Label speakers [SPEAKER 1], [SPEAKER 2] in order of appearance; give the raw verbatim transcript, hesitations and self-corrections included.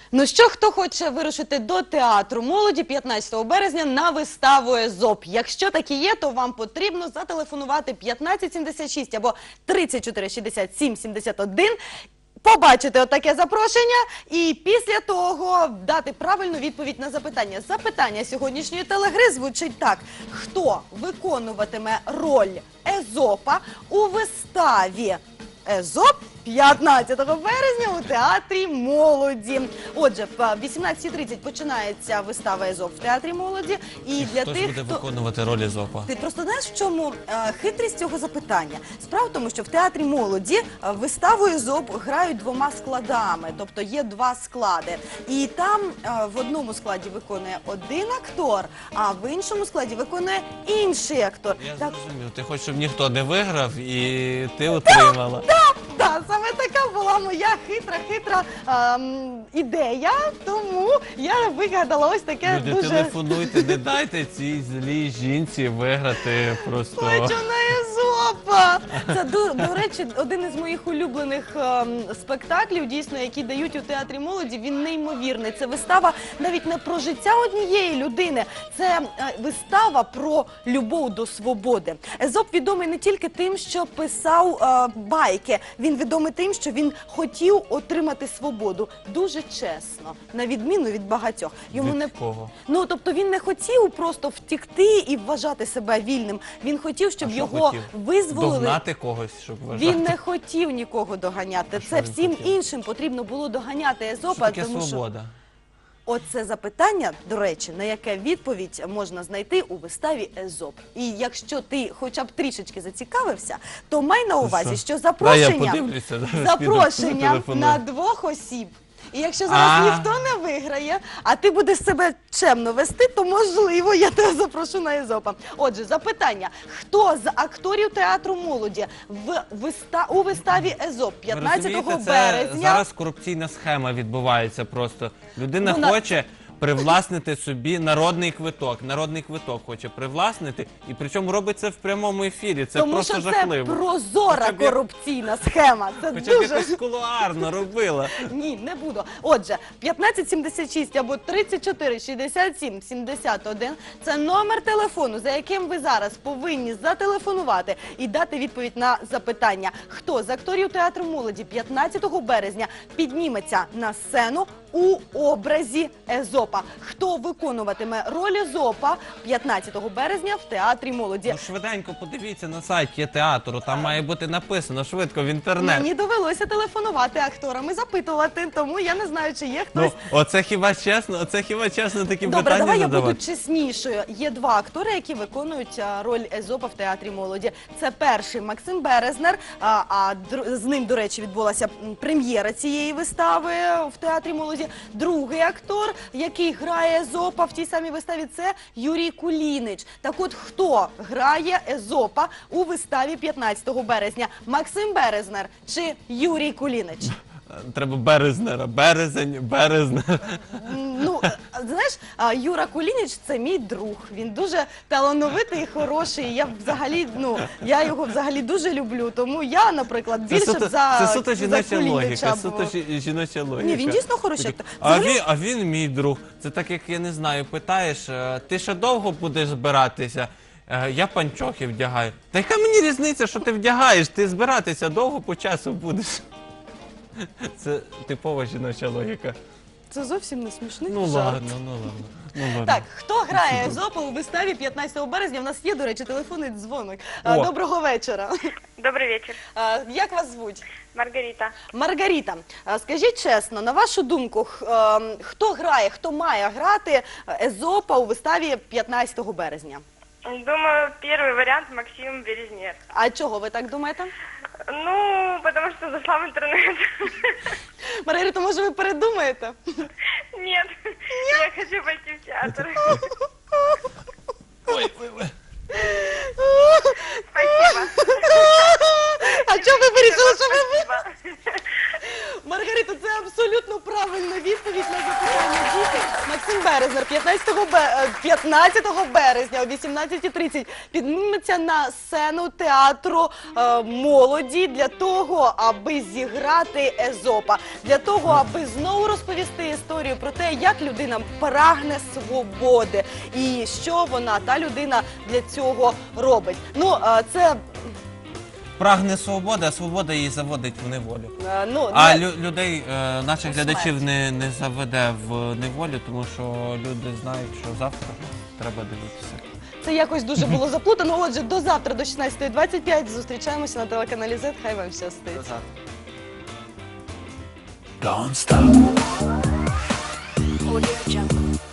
[SPEAKER 1] Ну що, хто хоче вирушити до театру молоді п'ятнадцятого березня на виставу «Езоп»? Якщо такі є, то вам потрібно зателефонувати п'ятнадцять сімдесят шість або тридцять чотири шістдесят сім сімдесят один, побачити отаке запрошення і після того дати правильну відповідь на запитання. Запитання сьогоднішньої телегри звучить так. Хто виконуватиме роль Езопа у виставі «Езоп» п'ятнадцятого березня у театрі молоді? Отже, в вісімнадцятій тридцять починається вистава «Езоп» в театрі молоді. І для
[SPEAKER 2] Хто
[SPEAKER 1] тих,
[SPEAKER 2] ж буде
[SPEAKER 1] хто...
[SPEAKER 2] виконувати роль Езопа?
[SPEAKER 1] Ти просто знаєш, в чому е, хитрість цього запитання? Справа в тому, що в театрі молоді е, виставу «Езоп» грають двома складами, тобто є два склади. І там е, в одному складі виконує один актор, а в іншому складі виконує інший актор.
[SPEAKER 2] Я
[SPEAKER 1] Так,
[SPEAKER 2] зрозумів, ти хочеш, щоб ніхто не виграв і ти отримала.
[SPEAKER 1] так, так, саме така була моя хитра-хитра ем, ідея, тому я вигадала ось таке
[SPEAKER 2] Люди,
[SPEAKER 1] дуже...
[SPEAKER 2] телефонуйте, не дайте цій злій жінці виграти просто.
[SPEAKER 1] Хочу на Езопа! Це, до, до речі, один із моїх улюблених ем, спектаклів, дійсно, які дають у театрі молоді. Він неймовірний. Це вистава навіть не про життя однієї людини. Це е, вистава про любов до свободи. Езоп відомий не тільки тим, що писав е, байки. Він відомий тим, що він хотів отримати свободу. Дуже чесно, на відміну від багатьох. Йому
[SPEAKER 2] Від
[SPEAKER 1] не...
[SPEAKER 2] кого?
[SPEAKER 1] Ну, тобто він не хотів просто втікти і вважати себе вільним. Він хотів, щоб
[SPEAKER 2] А що
[SPEAKER 1] його
[SPEAKER 2] хотів?
[SPEAKER 1] визволили.
[SPEAKER 2] Догнати когось, щоб вважати.
[SPEAKER 1] Він не хотів нікого доганяти.
[SPEAKER 2] А що
[SPEAKER 1] Це
[SPEAKER 2] він
[SPEAKER 1] всім
[SPEAKER 2] хотів?
[SPEAKER 1] іншим потрібно було доганяти
[SPEAKER 2] Що
[SPEAKER 1] Езопа,
[SPEAKER 2] таке
[SPEAKER 1] тому що
[SPEAKER 2] свобода?
[SPEAKER 1] оце запитання, до речі, на яке відповідь можна знайти у виставі «Езоп». І якщо ти хоча б трішечки зацікавився, то май на увазі, що
[SPEAKER 2] Дай я
[SPEAKER 1] запрошення,
[SPEAKER 2] подивлюся, зараз
[SPEAKER 1] запрошення
[SPEAKER 2] піду, телефоную.
[SPEAKER 1] на двох осіб. І якщо зараз
[SPEAKER 2] А.
[SPEAKER 1] ніхто не виграє, а ти будеш себе чемно вести, то можливо я тебе запрошу на Езопа. Отже, запитання. Хто з акторів театру молоді в виста... у виставі «Езоп»
[SPEAKER 2] Ви
[SPEAKER 1] п'ятнадцятого
[SPEAKER 2] розумієте, це
[SPEAKER 1] березня?
[SPEAKER 2] зараз корупційна схема відбувається просто. Людина
[SPEAKER 1] Вона-
[SPEAKER 2] хоче привласнити собі народний квиток. Народний квиток хоче привласнити, і причому робить це в прямому ефірі. Це
[SPEAKER 1] Тому
[SPEAKER 2] просто
[SPEAKER 1] що це
[SPEAKER 2] жахливо.
[SPEAKER 1] прозора
[SPEAKER 2] Хоча б як-
[SPEAKER 1] корупційна схема. Це
[SPEAKER 2] Хоча б
[SPEAKER 1] дуже...
[SPEAKER 2] якось кулуарно робила.
[SPEAKER 1] Ні, не буду. Отже, п'ятнадцять сімдесят шість або тридцять чотири шістдесят сім сімдесят один – це номер телефону, за яким ви зараз повинні зателефонувати і дати відповідь на запитання. Хто з акторів театру молоді п'ятнадцятого березня підніметься на сцену у образі Езопа? Хто виконуватиме роль Езопа п'ятнадцятого березня в театрі молоді?
[SPEAKER 2] Ну швиденько подивіться на сайті театру, там має бути написано швидко в інтернет.
[SPEAKER 1] Мені довелося телефонувати акторам і запитувати, тому я не знаю, чи є хтось...
[SPEAKER 2] Ну, оце хіба чесно, оце хіба чесно такі
[SPEAKER 1] Добре,
[SPEAKER 2] питання
[SPEAKER 1] давай я
[SPEAKER 2] задавати?
[SPEAKER 1] буду чеснішою. Є два актори, які виконують а, роль Езопа в театрі молоді. Це перший Максим Березнер, а, а др- з ним, до речі, відбулася м, прем'єра цієї вистави в театрі молоді. Другий актор, який грає Езопа в тій самій виставі, це Юрій Кулінич. Так от, хто грає Езопа у виставі п'ятнадцятого березня? Максим Березнер чи Юрій Кулінич?
[SPEAKER 2] Треба Березнера, березень, березнер.
[SPEAKER 1] Ну, е, знаєш, а, Юра Кулініч – це мій друг. Він дуже талановитий і хороший. Я взагалі, ну, я його взагалі дуже люблю. Тому я, наприклад,
[SPEAKER 2] Це
[SPEAKER 1] більше
[SPEAKER 2] суто,
[SPEAKER 1] б за,
[SPEAKER 2] це суто
[SPEAKER 1] за
[SPEAKER 2] жіноча
[SPEAKER 1] Кулініча
[SPEAKER 2] логіка,
[SPEAKER 1] була.
[SPEAKER 2] суто жі- жіноча логіка.
[SPEAKER 1] Ні, він дійсно хороший
[SPEAKER 2] Такий,
[SPEAKER 1] актор.
[SPEAKER 2] А
[SPEAKER 1] Взагалі-
[SPEAKER 2] він, а він мій друг. Це так, як, я не знаю, питаєш, е, ти ще довго будеш збиратися? Е, Я панчохи вдягаю. Та яка мені різниця, що ти вдягаєш? Ти збиратися довго по часу будеш. Це типова жіноча логіка.
[SPEAKER 1] Це зовсім не смішний
[SPEAKER 2] Ну
[SPEAKER 1] жарт.
[SPEAKER 2] ладно, ну ладно. Ну, ладно.
[SPEAKER 1] Так, хто грає Езопа у виставі п'ятнадцятого березня? У нас є, до речі, телефонний дзвоник. А,
[SPEAKER 2] О.
[SPEAKER 1] Доброго вечора.
[SPEAKER 3] Добрый вечер.
[SPEAKER 1] А, Як вас звуть?
[SPEAKER 3] Маргарита.
[SPEAKER 1] Маргарита, а, скажіть чесно, на вашу думку, х- ем, хто грає, хто має грати Езопа у виставі п'ятнадцятого березня?
[SPEAKER 3] Думаю, первый вариант Максим Березнер.
[SPEAKER 1] А чого ви так думаєте?
[SPEAKER 3] Ну, потому что зашла в интернет.
[SPEAKER 1] Маргарита, може ви передумаєте?
[SPEAKER 3] Нет, я хочу пойти в театр.
[SPEAKER 2] Ой, ой, ой.
[SPEAKER 3] Спасибо.
[SPEAKER 1] А чого ви вирішили, що ви...
[SPEAKER 3] Спасибо.
[SPEAKER 1] Маргарита, говорити, це абсолютно правильна відповідь на запитання діти. Максим Березнер п'ятнадцятого бе- е, п'ятнадцятого березня о вісімнадцятій тридцять підніметься на сцену театру е, молоді для того, аби зіграти Езопа, для того, аби знову розповісти історію про те, як людина прагне свободи і що вона, та людина, для цього робить. Ну, е, це
[SPEAKER 2] Прагне свободи, а свобода її заводить в неволю.
[SPEAKER 1] е, ну,
[SPEAKER 2] А
[SPEAKER 1] не-
[SPEAKER 2] лю- людей, е, наших
[SPEAKER 1] У
[SPEAKER 2] глядачів
[SPEAKER 1] смерть.
[SPEAKER 2] не, не заведе в неволю, тому що люди знають, що завтра треба дивитися.
[SPEAKER 1] Це якось дуже було заплутано. Отже, до завтра, до шістнадцятої двадцять п'ять зустрічаємося на телеканалі зет. Хай вам щастить.
[SPEAKER 4] Don't stop.
[SPEAKER 5] Audio Jungle.